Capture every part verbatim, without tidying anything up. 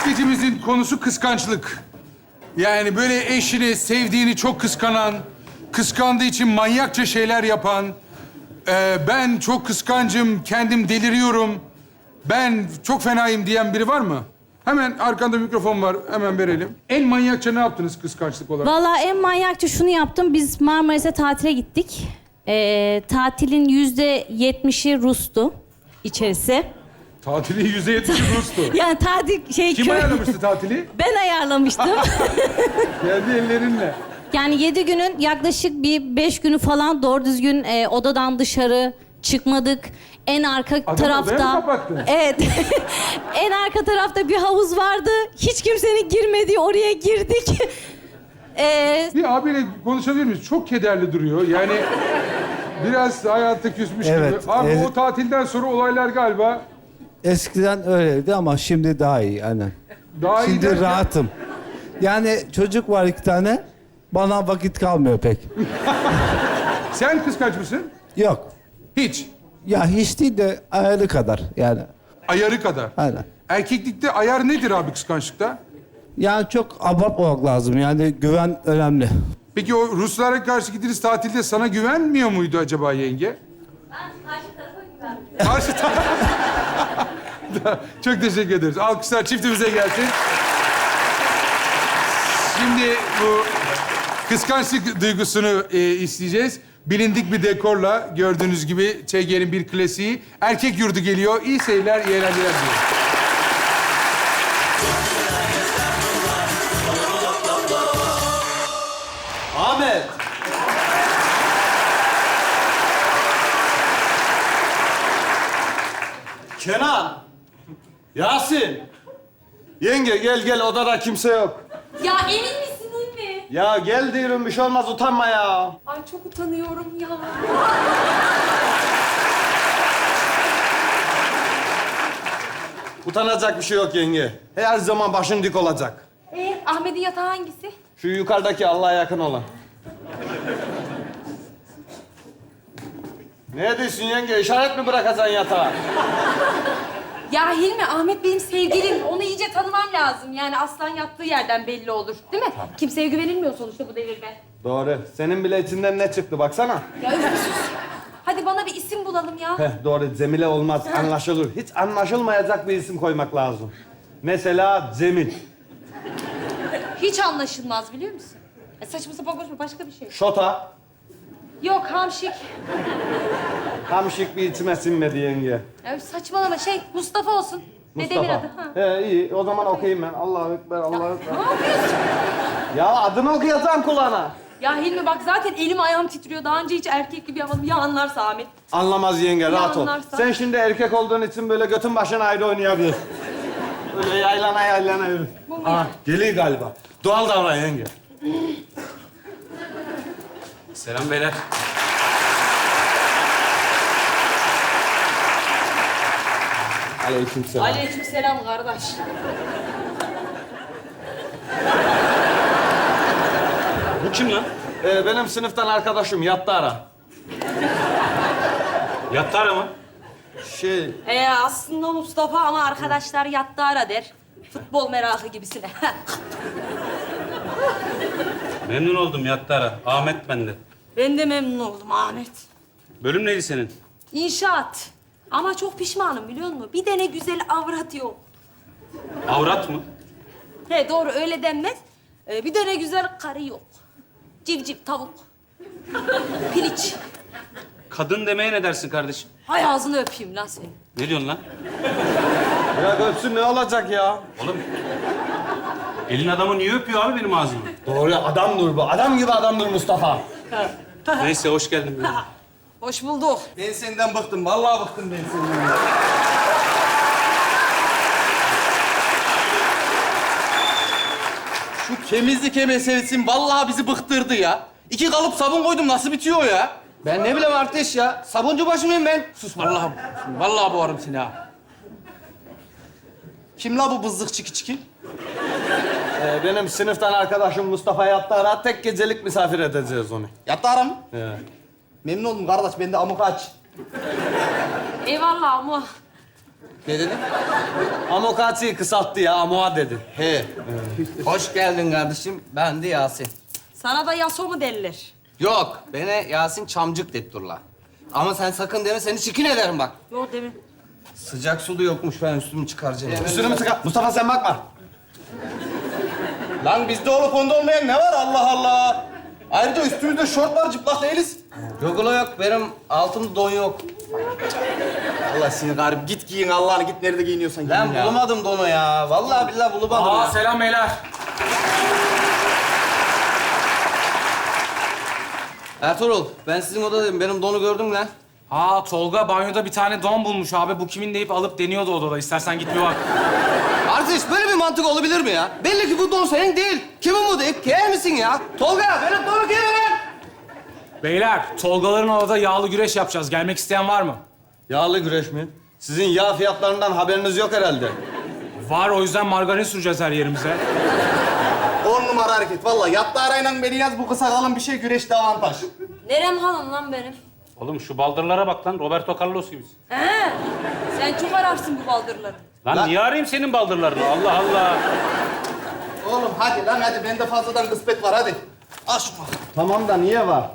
skecimizin konusu kıskançlık. Yani böyle eşini, sevdiğini çok kıskanan, kıskandığı için manyakça şeyler yapan, e, ben çok kıskancım, kendim deliriyorum, ben çok fenayım diyen biri var mı? Hemen arkanda mikrofon var, hemen verelim. En manyakça ne yaptınız kıskançlık olarak? Vallahi en manyakça şunu yaptım. Biz Marmaris'e tatile gittik. Ee, tatilin yüzde yetmişi Rus'tu içerisi. Tatilin yüzde yetmişi Rus'tu. Yani tatil şey... Kim köy- ayarlamıştı tatili? Ben ayarlamıştım. Kendi ellerinle. Yani yedi günün yaklaşık bir beş günü falan doğru düzgün e, odadan dışarı çıkmadık. En arka Adamı tarafta... odaya mı kapattın? Evet. En arka tarafta bir havuz vardı. Hiç kimsenin girmediği oraya girdik. Ee, Bir abiyle konuşabilir miyiz? Çok kederli duruyor. Yani biraz hayatta küsmüş Evet, gibi. Abi evet. o tatilden sonra olaylar galiba Eskiden öyleydi ama şimdi daha iyi aynen. daha iyi Şimdi derken- rahatım. Yani çocuk var iki tane. Bana vakit kalmıyor pek. Sen kıskanç mısın? Yok. Hiç. Ya hiç değil de ayarı kadar yani. Ayarı kadar. Aynen. Erkeklikte ayar nedir abi kıskançlıkta? Yani çok abartmamak lazım. Yani güven önemli. Peki o Ruslara karşı gittiğiniz tatilde sana güvenmiyor muydu acaba yenge? Karşı tarafa Çok teşekkür ederiz. Alkışlar çiftimize gelsin. Şimdi bu kıskançlık duygusunu e, isteyeceğiz. Bilindik bir dekorla gördüğünüz gibi Ç G'nin bir klasiği. Erkek yurdu geliyor. İyi seyirler, iyi eğlenceler diliyorum. Ahmet. Kenan. Yasin. Yenge gel gel odada kimse yok. Ya emin misin anne? Ya gel diyorum bir şey olmaz utanma ya. Ay çok utanıyorum ya. Utanacak bir şey yok yenge. Her zaman başın dik olacak. Ee, Ahmet'in yatağı hangisi? Şu yukarıdaki Allah'a yakın olan. Ne diyorsun yenge? İşaret mi bırakacaksın yatağa? Ya Hilmi, Ahmet benim sevgilim. Onu iyice tanımam lazım. Yani aslan yattığı yerden belli olur. Değil mi? Kimseye güvenilmiyor sonuçta bu devirde. Doğru. Senin bile içinden ne çıktı baksana. Ya öf, sus. Hadi bana bir isim bulalım ya. Heh, doğru. Cemile olmaz. Anlaşılır. Hiç anlaşılmayacak bir isim koymak lazım. Mesela Cemil. Hiç anlaşılmaz biliyor musun? E, saçma sapan konuşma, başka bir şey. Şota. Yok, hamşik. Hamşik bir içime sinmedi yenge. Ya saçmalama, şey Mustafa olsun. Dedemin adı. Ha. He iyi. O zaman okuyayım ben. Allahu Ekber, Allahu Ekber. Ne yapıyorsun? Ya adını okuyacağım kulağına. Ya Hilmi bak zaten elim ayağım titriyor. Daha önce hiç erkek gibi yapmadım. Ya anlarsa Ahmet. Anlamaz yenge, rahat ol. anlarsa? Sen şimdi erkek olduğun için böyle götün başın ayrı oynayabilir. Öyle yaylana yaylana yürü. Bu mu Aa, ya? geliyor galiba. Doğal davran yenge. Selam beyler. Aleykümselam. Aleykümselam kardeş. Bu kim lan? Ee, benim sınıftan arkadaşım Yattara. Yattara mı? Şey, Ee, aslında Mustafa ama arkadaşlar Yattara der. Futbol merakı gibisine. Memnun oldum Yattara. Ahmet ben de. Ben de memnun oldum Ahmet. Bölüm neydi senin? İnşaat. Ama çok pişmanım biliyor musun? Bir tane güzel avrat yok. Avrat mı? He doğru öyle denmez. Ee, bir tane güzel karı yok. Civciv, tavuk. Piliç. Kadın demeye ne dersin kardeşim? Hay ağzını öpeyim lan seni. Ne diyorsun lan? ya öpsün ne olacak ya? Oğlum, elin adamı niye öpüyor abi benim ağzımı? Doğru adamdır bu. Adam gibi adamdır Mustafa. Neyse, hoş geldin. Hoş bulduk. Ben senden bıktım. Vallahi bıktım ben senden. Şu temizlik meselesi vallahi bizi bıktırdı ya. İki kalıp sabun koydum nasıl bitiyor ya? Ben ne bileyim arkadaş ya. Sabuncu başı mıyım ben? Sus vallahi. Vallahi boğarım seni ha. Kim la bu bızlık çiki çiki? Ee, benim sınıftan arkadaşım Mustafa Yattara. Tek gecelik misafir edeceğiz onu. Yattı ara mı? He. Memnun oldum kardeş. Ben de amuk aç. Eyvallah ama Ne dedin? Amokati'yi kısalttı ya, amoa dedi. He. Hoş geldin kardeşim. Ben de Yasin. Sana da Yaso mu derler? Yok, bana Yasin Çamcık det durla. Ama sen sakın deme, seni çikin ederim bak. Yok demin. Sıcak su da yokmuş, ben üstümü çıkaracağım. Üstünü mü sıkar? Mustafa sen bakma. Lan bizde olup onda olmayan ne var Allah Allah. Ayrıca üstümüzde şort var, çıplak değiliz. Yok ulan yok, benim altımda don yok. Allah seni garip. Git giyin Allah'ını, git nerede giyiniyorsan giyin Ben ya. bulamadım donu ya. Vallahi billahi bulamadım Aa ya. selam beyler. Ertuğrul, ben sizin odadayım. Benim donu gördüm lan. Aa Tolga banyoda bir tane don bulmuş abi. Bu kimin deyip alıp deniyordu odada. İstersen git bir bak. Arkadaş böyle bir mantık olabilir mi ya? Belli ki bu don senin değil. Kimin bu deyip giyer misin ya? Tolga, benim donu giyer lan. Beyler, Tolgaların odada yağlı güreş yapacağız. Gelmek isteyen var mı? Yağlı güreş mi? Sizin yağ fiyatlarından haberiniz yok herhalde. Var, o yüzden margarin süreceğiz her yerimize. On numara hareket. Vallahi yattı arayla beni yaz, bu kısa kalın bir şey, güreşte avantaj. Nerem hanım lan benim? Oğlum şu baldırlara bak lan. Roberto Carlos gibisin. He. Sen çok ararsın bu baldırları. Lan, Lan- niye arayayım senin baldırlarını? Allah Allah. Oğlum hadi lan hadi, bende fazladan kısmet var hadi. Al şunu. Tamam da niye var?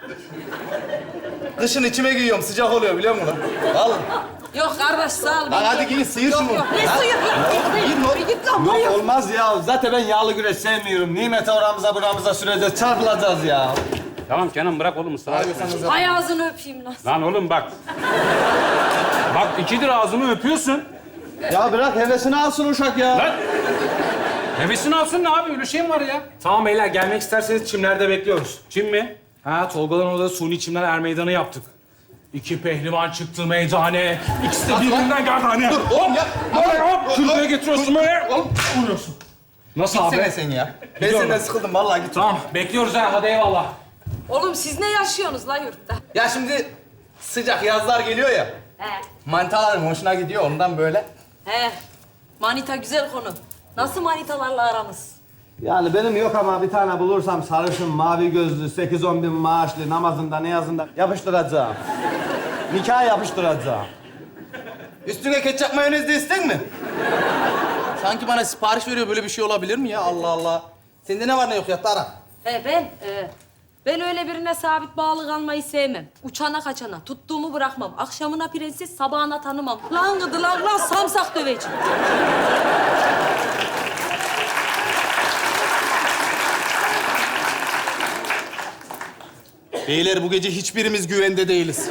Kışın içime giyiyorum, sıcak oluyor biliyor musun? Al. Yok kardeş sağ ol. Lan ben- hadi giyin, sıyır Yok şunu. yok ne suyu? Yok Giyin yok. o- Bir git lan Yok buraya. olmaz ya. Zaten ben yağlı güreş sevmiyorum. Nimete oramıza buramıza süreceğiz, çarpılacağız ya. Tamam Kenan bırak oğlum ısrar etme. Hay ağzını öpeyim lan. Lan oğlum bak. Bak ikidir ağzımı öpüyorsun. Ya bırak hevesini alsın uşak ya. Lan. Hevesini alsın ne abi? Öyle şey mi var ya? Tamam beyler, gelmek isterseniz çimlerde bekliyoruz. Çin mi? Ha, Tolgaların odada suni çimler er meydanı yaptık. İki pehlivan çıktı meydane. İkisi de birbirinden geldi hani. Dur oğlum ya. Hop, hop, şuraya getiriyorsun böyle. Hop, vuruyorsun. Nasıl abi? Gitsene sen ya. Ben Gidiyorum. senden sıkıldım vallahi git. Tamam, bekliyoruz ha. Hadi eyvallah. Oğlum siz ne yaşıyorsunuz lan yurtta? Ya şimdi sıcak yazlar geliyor ya. He. Manitalarım hoşuna gidiyor ondan böyle. He. Manita güzel konu. Nasıl manitalarla aranız? Yani benim yok ama bir tane bulursam sarışın, mavi gözlü, sekiz on bin maaşlı, namazında ne yazında yapıştıracağım. Nikah yapıştıracağım. Üstüne ketçap mayonez de isten mi? Sanki bana sipariş veriyor, böyle bir şey olabilir mi ya? Allah Allah. Sende ne var ne yok ya Tara? He ben, e, ben öyle birine sabit bağlı kalmayı sevmem. Uçana kaçana, tuttuğumu bırakmam. Akşamına prenses, sabahına tanımam. Lan gıdı lan lan samsak döveceğim. Beyler bu gece hiçbirimiz güvende değiliz.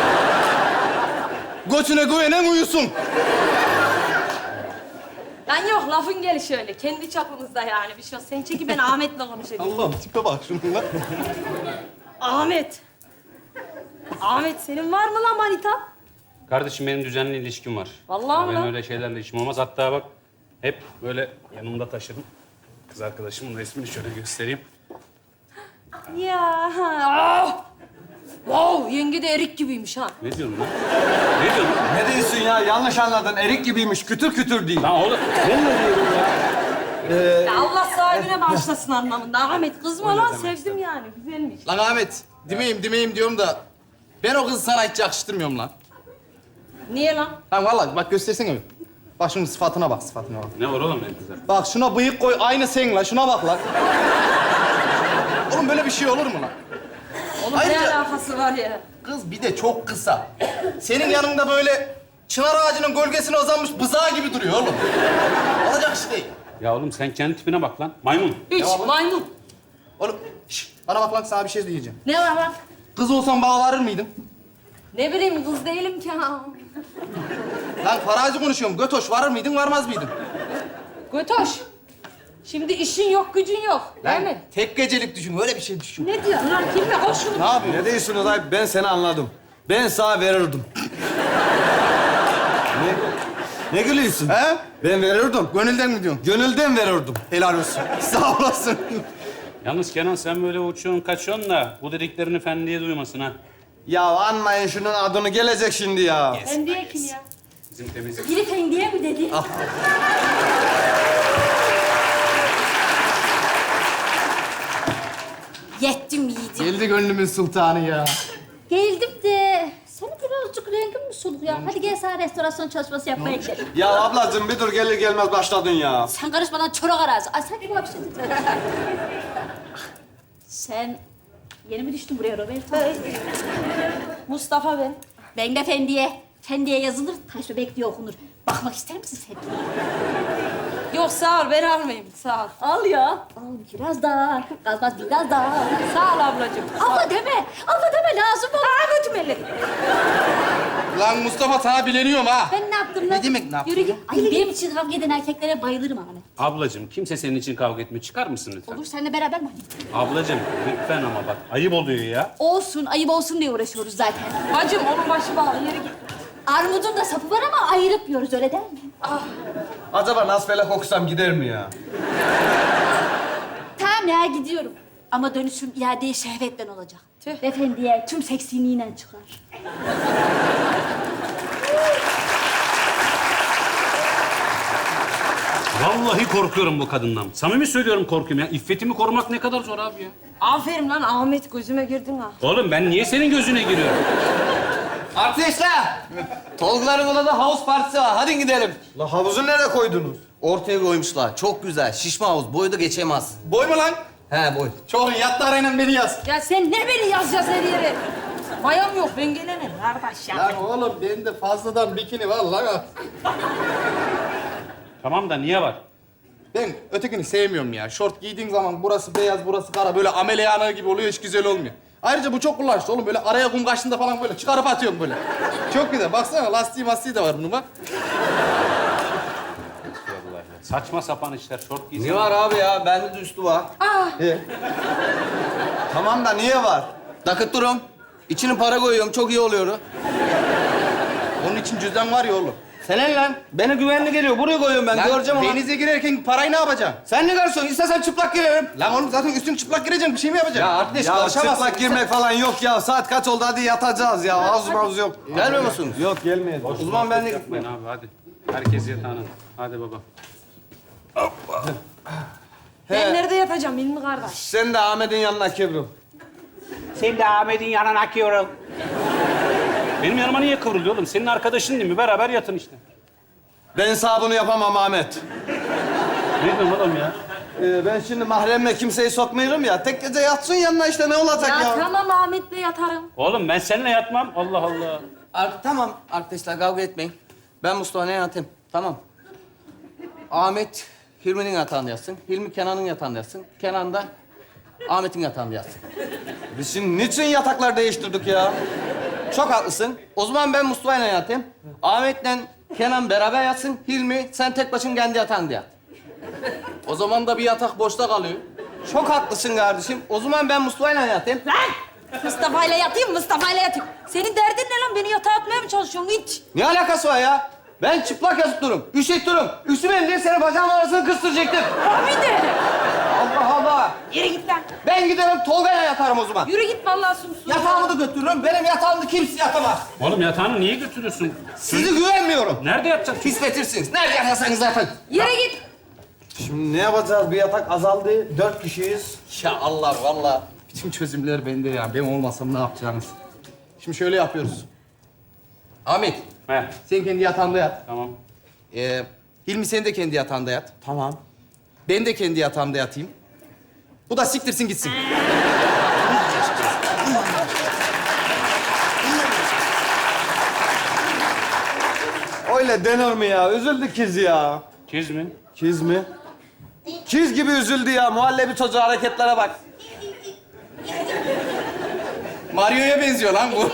Götüne güvenen uyusun. Lan yok lafın gelişi öyle. Kendi çapımızda yani bir şey yok. Sen çeki ben Ahmet'le konuşayım. Allah'ım tipe bak şununla. Ahmet. Ahmet senin var mı lan manita? Kardeşim benim düzenli ilişkim var. Vallahi mi Ben lan? öyle şeylerle işim olmaz. Hatta bak hep böyle yanımda taşırım. Kız arkadaşımın resmini şöyle göstereyim. Ya. Ah! Wow, yenge de erik gibiymiş ha. Ne diyorsun lan? Ne diyorsun? Ne diyorsun ya? Yanlış anladın. Erik gibiymiş. Kütür kütür değil. Lan oğlum. Ya Allah sahibine bağışlasın anlamında. Ahmet kızma lan sevdim yani. Güzelmiş. Lan Ahmet, demeyeyim demeyeyim diyorum da... Ben o kızı sana hiç yakıştırmıyorum lan. Niye lan? Lan vallahi bak göstersene bir. Bak şunun sıfatına bak, sıfatına bak. Ne var oğlum benim kızlar? Bak şuna bıyık koy. Aynı sen la. Şuna bak lan. Oğlum böyle bir şey olur mu lan? Oğlum Ayrıca- ne alakası var ya? Kız bir de çok kısa. Senin yanında böyle çınar ağacının gölgesine uzanmış bızağı gibi duruyor oğlum. Olacak iş değil. Ya oğlum sen kendi tipine bak lan. Maymun. Hiç maymun. Oğlum şş, bana bak lan, sana bir şey diyeceğim. Ne var lan? Kız olsan bana varır mıydın? Ne bileyim kız değilim ki ha. Lan farazi konuşuyorum. Götoş varır mıydın, varmaz mıydın? Götoş. Şimdi işin yok, gücün yok. Değil Lan mi? tek gecelik düşün, öyle bir şey düşün. Ne diyorsun lan? Kimle? Al şunu. Ne yapıyorsun? Ne diyorsunuz abi? Ben seni anladım. Ben sana verirdim. ne? Ne gülüyorsun? He? Ben verirdim. Gönülden mi diyorsun? Gönülden verirdim. Helal olsun. Sağ olasın. Yalnız Kenan sen böyle uçuyorsun kaçıyorsun da bu dediklerini Fendi'ye duymasın ha. Ya anmayın şunun adını, gelecek şimdi ya. Sen diye kim ya? Bizim temizlik. Biri Fendi'ye mi dedi? Yettim yiğidim. Geldi gönlümün sultanı ya. Geldim de. Senin birazcık rengin mi soluk ya? Hadi gel sana restorasyon çalışması yapmaya gidelim. Ya ablacığım bir dur gelir gelmez başladın ya. Sen karışmadan çorak arazi. Ay sen bak şimdi. Sen yeni mi düştün buraya Roberto? Mustafa ben. Ben de Fendi'ye. Fendi'ye yazılır, taş bebek diye okunur. Bakmak ister misin sen? Yok sağ ol ben almayayım sağ ol. Al ya. Al biraz daha. Kalmaz biraz daha. Sağ ol ablacığım. Abla deme. Abla deme lazım olur. Aa götüm elleri. Lan Mustafa sana bileniyorum ha. Ben ne yaptım lan? Ne demek ne yaptın Yürü git. Ay benim için kavga eden erkeklere bayılırım Ahmet. Ablacığım kimse senin için kavga etmiyor. Çıkar mısın lütfen? Olur seninle beraber mi? Ablacığım lütfen ama bak ayıp oluyor ya. Olsun, ayıp olsun diye uğraşıyoruz zaten. Bacım onun başı bağlı yere git. Armudun da sapı var ama ayırıp yiyoruz öyle değil mi? Acaba nasfelek okusam gider mi ya? Tamam ya gidiyorum. Ama dönüşüm iade şehvetten olacak. Tüh. Efendiye tüm seksiliğiyle çıkar. Vallahi korkuyorum bu kadından. Samimi söylüyorum korkuyorum ya. İffetimi korumak ne kadar zor abi ya. Aferin lan Ahmet gözüme girdin ha. Oğlum ben niye senin gözüne giriyorum? Arkadaşlar, Tolga'ların odada havuz partisi var. Hadi gidelim. La havuzu nereye koydunuz? Ortaya koymuşlar. Çok güzel. Şişme havuz. Boyu da geçemez. Boy mu lan? He boy. Çok iyi. Yattı arayla beni yaz. Ya sen ne beni yazacağız her yere? Mayam yok ben gelemem kardeş ya. Lan oğlum bende fazladan bikini var lan. Tamam da niye var? Ben ötekini sevmiyorum ya. Şort giydiğin zaman burası beyaz, burası kara. Böyle ameliyana gibi oluyor, hiç güzel olmuyor. Ayrıca bu çok kullanışlı oğlum. Böyle araya kum kaçtığında falan böyle çıkarıp atıyorum böyle. Çok güzel. Baksana lastiği mastiği de var bunun bak. Saçma sapan işler. Şort giysin. Ne var abi ya? Bende de üstü var. He. Tamam da niye var? Nakit durum. İçine para koyuyorum, çok iyi oluyor. Onun için cüzdan var ya oğlum. Senin lan. Beni güvenli geliyor. Buraya koyuyorum ben. Göreceğim onu. Denize girerken parayı ne yapacaksın? Sen ne garson? İstersen çıplak girerim. Lan oğlum zaten üstün çıplak gireceksin. Bir şey mi yapacaksın? Ya arkadaş ya çıplak girmek falan yok ya. Saat kaç oldu? Hadi yatacağız ya. Havuz mavuz yok. Gelmiyor musunuz? Yok gelmeyiz. O zaman ben de Yapmayın abi hadi. Herkes yatağına. Hadi baba. Ben nerede yatacağım Hilmi kardeş? Sen de Ahmet'in yanına kıvrıl. Sen de Ahmet'in yanına kıvrıl. Benim yanıma niye kıvrılıyor oğlum? Senin arkadaşın değil mi? Beraber yatın işte. Ben sağ bunu yapamam Ahmet. Ne diyorsun oğlum ya? Ee, ben şimdi mahremle kimseyi sokmuyorum ya. Tek gece yatsın yanına işte ne olacak ya? Ya tamam Ahmet'le yatarım. Oğlum ben seninle yatmam. Allah Allah. Ar- tamam arkadaşlar kavga etmeyin. Ben Mustafa'nın yatayım. Tamam. Ahmet Hilmi'nin yatağında yatsın. Hilmi Kenan'ın yatağında yatsın. Kenan da Ahmet'in yatağında yatsın. Biz şimdi niçin yataklar değiştirdik ya? Çok haklısın. O zaman ben Mustafa'yla yatayım. Ahmet'le Kenan beraber yatsın. Hilmi sen tek başın kendi yatağında yat. O zaman da bir yatak boşta kalıyor. Çok haklısın kardeşim. O zaman ben Mustafa'yla yatayım. Mustafa'yla yatayım, Mustafa'yla yatayım. Senin derdin ne lan? Beni yatağa atmaya mı çalışıyorsun? Hiç. Ne alakası var ya? Ben çıplak yatıp durum. Üşüt durum. Üstüme diye seni bacağımın arasını kıstıracaktım. Abi de. Allah Allah. Yürü git lan. Ben giderim Tolga'yla yatarım o zaman. Yürü git vallahi sumsum. Yatağımı da götürürüm. Benim yatağımda kimse yatamaz. Oğlum yatağını niye götürüyorsun? Sizi güvenmiyorum. Nerede yatacaksın? Pisletirsiniz. Nerede yatarsanız yatın. Yürü git. Şimdi ne yapacağız? Bir yatak azaldı. Dört kişiyiz. Ya Allah vallahi bütün çözümler bende ya. Ben olmasam ne yapacağınız? Şimdi şöyle yapıyoruz. Ahmet, He, sen kendi yatağında yat. tamam. Ee, Hilmi sen de kendi yatağında yat. Tamam. Ben de kendi yatağımda yatayım. Bu da siktirsin gitsin. Öyle denir mi ya? Üzüldü kız ya. Kiz mi? Kiz mi? Kiz gibi üzüldü ya. Muhallebi çocuğu hareketlere bak. Mario'ya benziyor lan bu.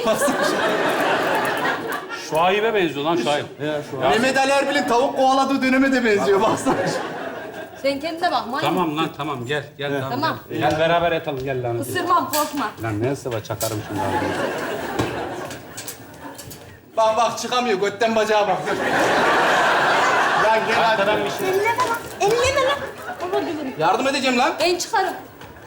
Şuayb'e benziyor lan Şuayb. Mehmet Ali Erbil'in tavuk kovaladığı döneme de benziyor. Baksana. Sen kendine bak manyak. Tamam lan tamam gel. Gel tamam. Tamam. Gel, gel beraber yatalım gel lan. Isırmam korkma. Lan ne sıva çakarım şimdi abi. Bak bak çıkamıyor. Götten bacağa bak. Lan gel hadi. Arkadan bir şey. Elleme lan. Elleme lan. Olur gülüm. Yardım edeceğim lan. Ben çıkarım.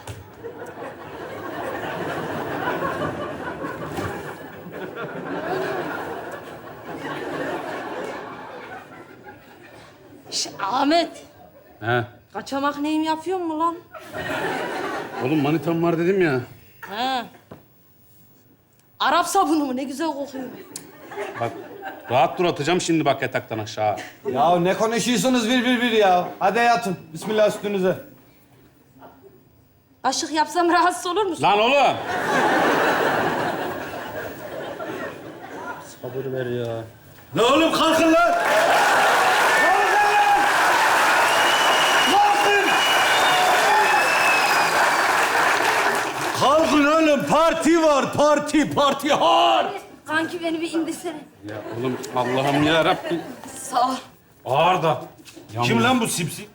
Şş, Ahmet. He. Kaçamak neyim yapıyor mu lan? Oğlum manitam var dedim ya. Ha. Arap sabunu mu? Ne güzel kokuyor. Bak rahat dur atacağım şimdi bak yataktan aşağı. Ya ne konuşuyorsunuz bir bir bir ya? Hadi yatın. Bismillah üstünüze. Aşık yapsam rahatsız olur musun? Lan oğlum. Sabır ver ya. Ne oğlum kalkın lan! Kalkın oğlum, parti var, parti, parti har! Kanki beni bir indirsene. Ya oğlum Allah'ım ya Rabbim. Sağ ol. Ağır da. Kim lan bu sipsi?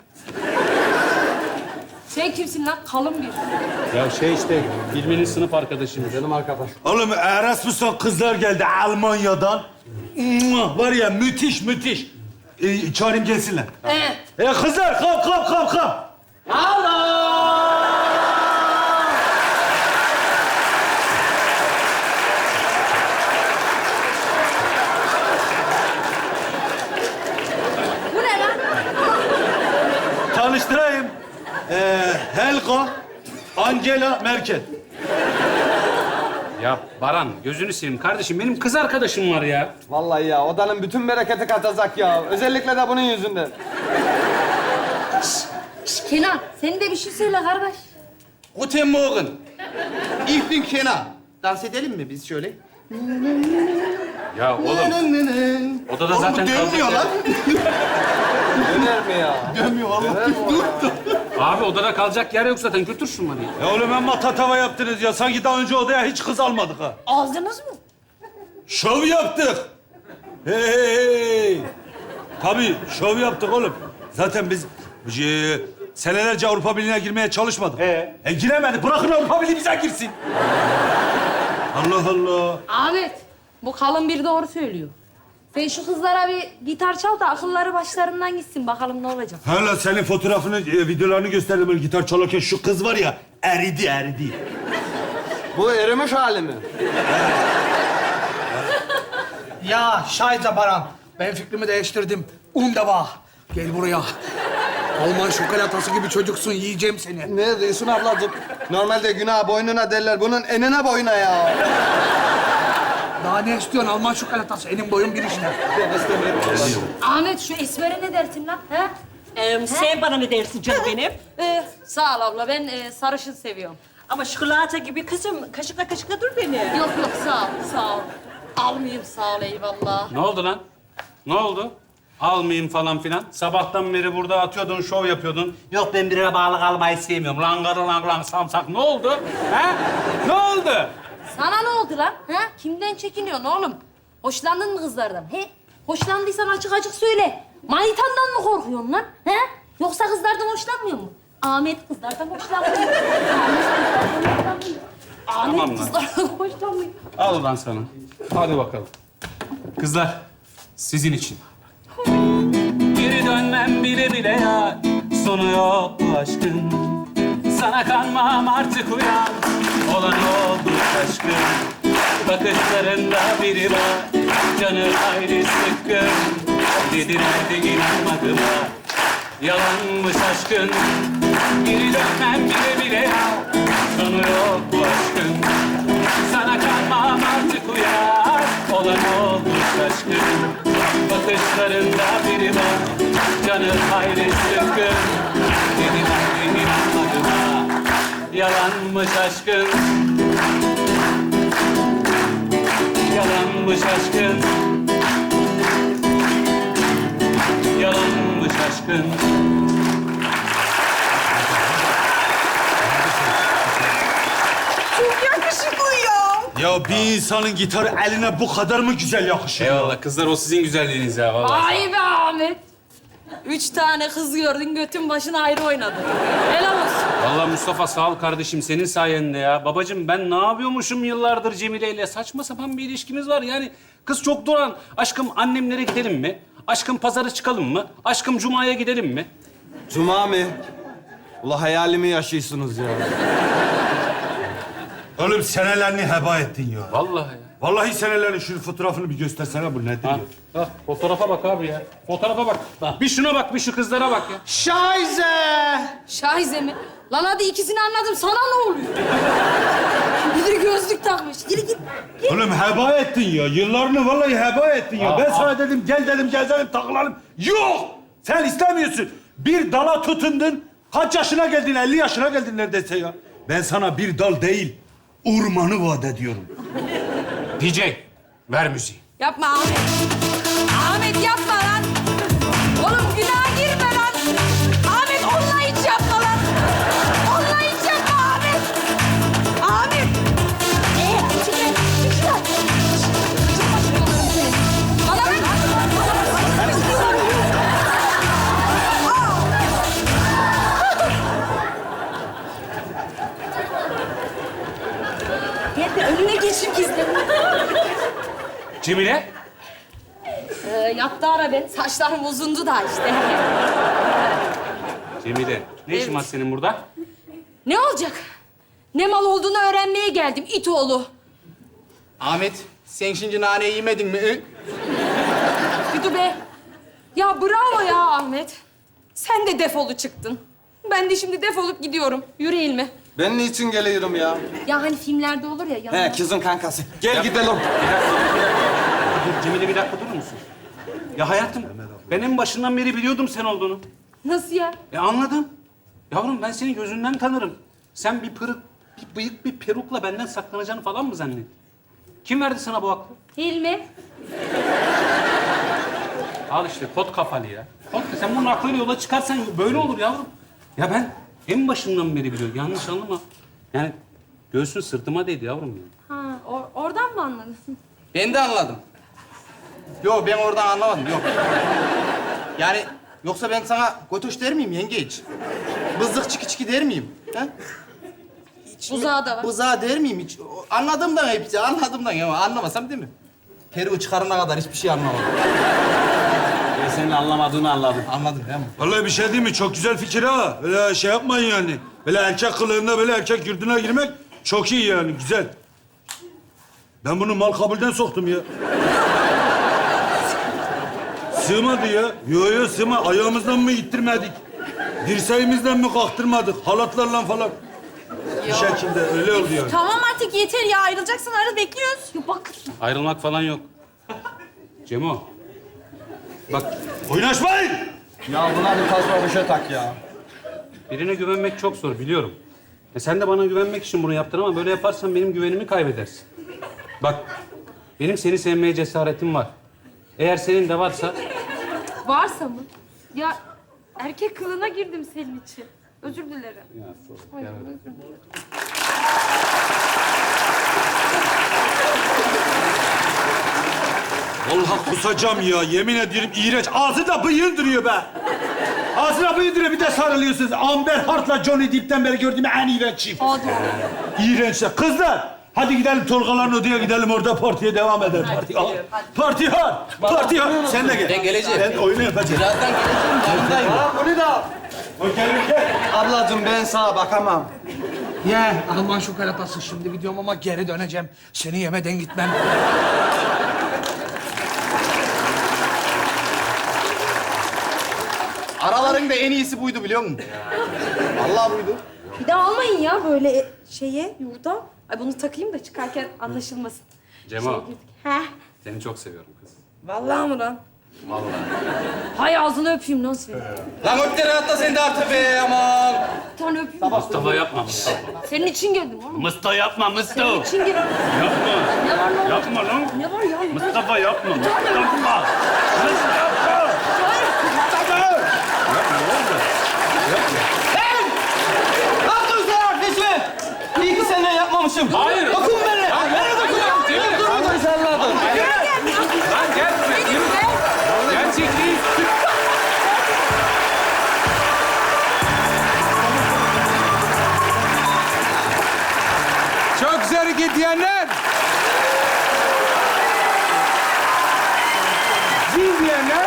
Sen kimsin lan? Kalın bir. Ya şey işte Hilmi'nin sınıf arkadaşıyım. Canım arkadaş. Oğlum Erasmus'tan kızlar geldi Almanya'dan. Mua, var ya müthiş, müthiş. Ee, çağırayım gelsinler. Ee, E kızlar, kalk, kalk, kalk, kalk. bu ne lan? Tanıştırayım. Ee, Helga, Angela Merkel. Ya Baran gözünü seveyim kardeşim benim kız arkadaşım var ya. Vallahi ya odanın bütün bereketi katacak ya. Özellikle de bunun yüzünden. Şş, Kenan, sen de bir şey söyle kardeş. Guten Morgen. Ich bin Kenan. Dans edelim mi biz şöyle? Ya oğlum odada zaten Dönmüyor kalacak lan. Döner mi ya? Dönmüyor oğlum. yer- Abi odada kalacak yer yok zaten götür şunları ya. Ya oğlum amma tatava yaptınız ya. Sanki daha önce odaya hiç kız almadık ha. Ağzınız mı? Şov yaptık. Hey, hey, hey. Tabii şov yaptık oğlum. Zaten biz e, senelerce Avrupa Birliği'ne girmeye çalışmadık. Ee? E giremedik. Bırakın Avrupa Birliği bize girsin. Allah Allah. Ahmet, bu kalın bir doğru söylüyor. Sen şu kızlara bir gitar çal da akılları başlarından gitsin. Bakalım ne olacak. Hala senin fotoğrafını, e, videolarını gösterdim böyle gitar çalarken şu kız var ya eridi eridi. Bu erimiş hali mi? Ya Şahit'le Baran, ben fikrimi değiştirdim. Undava, gel buraya. Alman şokolatası gibi çocuksun, yiyeceğim seni. Ne diyorsun ablacığım? Normalde günah boynuna derler. Bunun enine boyuna ya. Daha ne istiyorsun Alman şokolatası? Elim boyun bir işte. Ben istemiyorum. Ahmet, şu esmere ne dersin lan? He? Ee, sen bana ne dersin canım benim? Ee, sağ ol abla, ben e, sarışın seviyorum. Ama şokolata gibi kızım, kaşıkla kaşıkla dur beni. Yok yok, sağ ol, sağ ol. Almayayım, sağ ol, eyvallah. Ne oldu lan? Ne oldu? Almayayım falan filan. Sabahtan beri burada atıyordun, şov yapıyordun. Yok ben birine bağlı kalmayı sevmiyorum. Langara lang lang samsak. Ne oldu? He? Ne oldu? Sana ne oldu lan? He? Kimden çekiniyorsun oğlum? Hoşlandın mı kızlardan? He? Hoşlandıysan açık açık söyle. Manitandan mı korkuyorsun lan? He? Yoksa kızlardan hoşlanmıyor mu? Ahmet kızlardan hoşlanmıyor. Ahmet Tamam lan. kızlardan hoşlanmıyor. Al ulan sana. Hadi bakalım. Kızlar, sizin için. Geri dönmem bile bile ya, sonu yok bu aşkın. Sana kanmam artık uyan, olan oldu aşkın. Bakışlarında biri var, canı hayli sıkkın. Dediler de inanmadım ha, yalanmış aşkın. Geri dönmem bile bile ya, sonu yok bu aşkın. Sana kanmam artık uyar, olan olmuş aşkın. Bakışlarında biri var, canı hayli sıkkın. Dedim hayli inanmadım ha, yalanmış aşkın. Yalanmış aşkın. Yalanmış aşkın. Ya bir insanın gitarı eline bu kadar mı güzel yakışır? Eyvallah kızlar, o sizin güzelliğiniz ya vallahi. Ay be Ahmet. Üç tane kız gördün, götün başına ayrı oynadı. Helal olsun. Vallahi Mustafa sağ ol kardeşim, senin sayende ya. Babacığım ben ne yapıyormuşum yıllardır Cemile ile? Saçma sapan bir ilişkimiz var yani. Kız çok duran. Aşkım annemlere gidelim mi? Aşkım pazara çıkalım mı? Aşkım Cuma'ya gidelim mi? Cuma mı? Ula hayalimi yaşıyorsunuz ya. Oğlum senelerini heba ettin ya. Vallahi ya. Vallahi senelerin şu fotoğrafını bir göstersene bu nedir Ha, ya? ha, fotoğrafa bak abi ya. Fotoğrafa bak. Bir şuna bak, bir şu kızlara bak ya. Scheiße! Şahize mi? Lan hadi ikisini anladım. Sana ne oluyor? Bir de gözlük takmış. Yürü git. git. Oğlum heba ettin ya. Yıllarını vallahi heba ettin ya. Ben sana dedim gel dedim gezelim takılalım. Yok! Sen istemiyorsun. Bir dala tutundun. Kaç yaşına geldin? elli yaşına geldin neredeyse ya. Ben sana bir dal değil, ormanı vaat ediyorum. D J, ver müziği. Yapma Ahmet. Ahmet yapma lan. Oğlum günaha girme lan. Ahmet onunla hiç yapma lan. Onunla hiç yapma Ahmet. Ahmet. Ee, çık lan, çık şuradan. Çık başım yollarım seni. Bana bak. Gel de önüne geçip gizle. Cemile, Ee, yattı ara ben. Saçlarım uzundu da işte. Cemile. Ne işin var senin burada? Ne olacak? Ne mal olduğunu öğrenmeye geldim it oğlu. Ahmet, sen şimdi naneyi yemedin mi? Hı? Bir dur be. Ya bravo ya Ahmet. Sen de defolu çıktın. Ben de şimdi defolup gidiyorum. Yürü İlmi. Ben niçin geliyorum ya? Ya hani filmlerde olur ya yanında. He, kızın kankası. Gel gidelim. Dur, Cemile bir dakika durur musun? Ya hayatım, ben en başından beri biliyordum sen olduğunu. Nasıl ya? E anladım. Yavrum ben seni gözünden tanırım. Sen bir pırık, bir bıyık, bir perukla benden saklanacağını falan mı zannettin? Kim verdi sana bu aklı? Hilmi. Al işte kot kafalı ya. Kot, sen bunun aklıyla yola çıkarsan böyle olur yavrum. Ya ben en başından beri biliyorum. Yanlış anlama. Yani göğsün sırtıma değdi yavrum ya. Ha, or- oradan mı anladın? Ben de anladım. Yok, ben oradan anlamadım, yok. Yani yoksa ben sana gotoş der miyim yengeç? Bızlık çiki çiki der miyim? Ha? Hiç mi- Buzağı da var. Buzağı der miyim hiç? O- Anladığımdan hepsi, anladığımdan ya. Anlamasam değil mi? Peruğu çıkarana kadar hiçbir şey anlamadım. Ben senin anlamadığını anladım. Anladın değil mi? Vallahi bir şey değil mi? Çok güzel fikir ha. Böyle şey yapmayın yani. Böyle erkek kılığında böyle erkek yurduna girmek çok iyi yani, güzel. Ben bunu mal kabulden soktum ya. Sığmadı ya. Yo yo sığma. Ayağımızdan mı ittirmedik? Dirseğimizden mi kalktırmadık? Halatlarla falan. Bir şekilde öyle oldu yani. Tamam artık yeter ya. Ayrılacaksın ayrıl bekliyoruz. Ya bak. Ayrılmak falan yok. Cemo, bak Oynaşmayın! Ya buna bir tasma bir şey tak ya. birine güvenmek çok zor biliyorum. E sen de bana güvenmek için bunu yaptın ama böyle yaparsan benim güvenimi kaybedersin. Bak, benim seni sevmeye cesaretim var. Eğer senin de varsa Varsa mı? Ya erkek kılığına girdim senin için. Özür dilerim. Ay, özür dilerim. Vallahi kusacağım ya. Yemin ediyorum iğrenç. Ağzında bıyığın duruyor be. Ağzına bıyığın duruyor. Bir de sarılıyorsunuz. Amber Hart'la Johnny Depp'ten beri gördüğüm en iğrenç çift. Hadi. İğrençler. Kızlar, hadi gidelim Tolgaların odaya gidelim. Orada partiye devam edelim. Parti hard. Parti hard. Parti hard. Sen de gel. Ben geleceğim. Ben oyunu yapacağım. Birazdan geleceğim, yanındayım. Ha, bunu da. O gel, gel. Ablacığım ben sana bakamam. Ye, Alman şokolatası şimdi gidiyorum ama geri döneceğim. Seni yemeden gitmem. Aralarında en iyisi buydu biliyor musun? Vallahi buydu. Bir de almayın ya böyle şeye, yurda. Ay bunu takayım da çıkarken anlaşılmasın. Cemo, Şeye girdik. Heh. seni çok seviyorum kız. Vallahi mı lan? Vallahi. Hay ağzını öpeyim lan seni. Lan öpten atla sen de artık be aman. Bir tane öpeyim. Mustafa yapma Mustafa. Senin için geldim oğlum. Mustafa yapma Senin Mustafa. için geldim. Yapma. Ne var lan? Yapma lan. Ne var ya? Mustafa yapma. Mustafa. Mustafa yapma. Ne yaptın sen Neşme? İyi ki senden yapmamışım. Hayır. Dokun beni. Bana dokun. Cemile. Dur sen lan. Lan gel buraya. Yürü. Gerçek değil. Çok güzel hareket diyenler. Zil diyenler.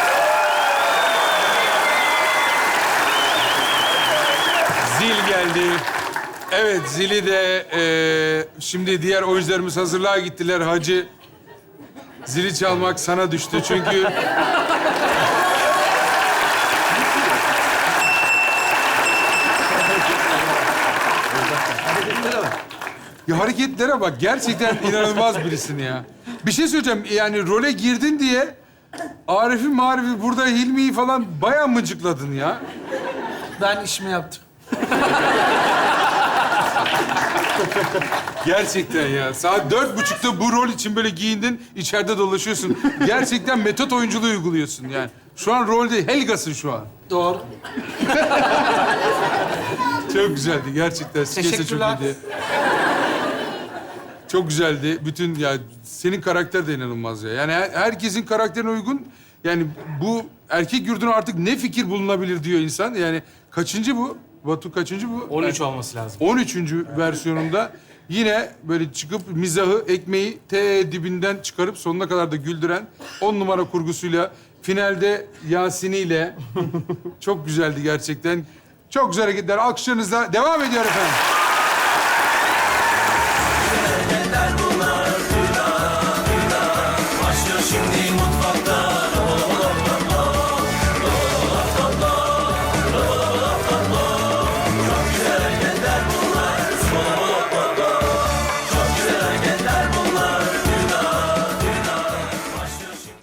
Zil geldi. Evet, zili de eee, şimdi diğer oyuncularımız hazırlığa gittiler. Hacı, zili çalmak sana düştü çünkü Ya hareketlere bak. Gerçekten inanılmaz birisin ya. Bir şey söyleyeceğim. Yani role girdin diye Arif'i Marif'i burada Hilmi'yi falan bayağı mıcıkladın ya. Ben işimi yaptım. Gerçekten ya. Saat dört buçukta bu rol için böyle giyindin, içeride dolaşıyorsun. Gerçekten metot oyunculuğu uyguluyorsun yani. Şu an rolde Helga'sın şu an. Doğru. Çok güzeldi gerçekten. Skeç de çok Teşekkürler. iyiydi. Çok güzeldi. Bütün ya senin karakter de inanılmaz ya. Yani her- herkesin karakterine uygun. Yani bu erkek yurduna artık ne fikir bulunabilir diyor insan. Yani kaçıncı bu? Batu kaçıncı bu? on üç olması lazım. on üçüncü versiyonunda yine böyle çıkıp mizahı, ekmeği te dibinden çıkarıp sonuna kadar da güldüren on numara kurgusuyla finalde Yasin'iyle çok güzeldi gerçekten. Çok güzel hareketler. Alkışlarınızla devam ediyor efendim.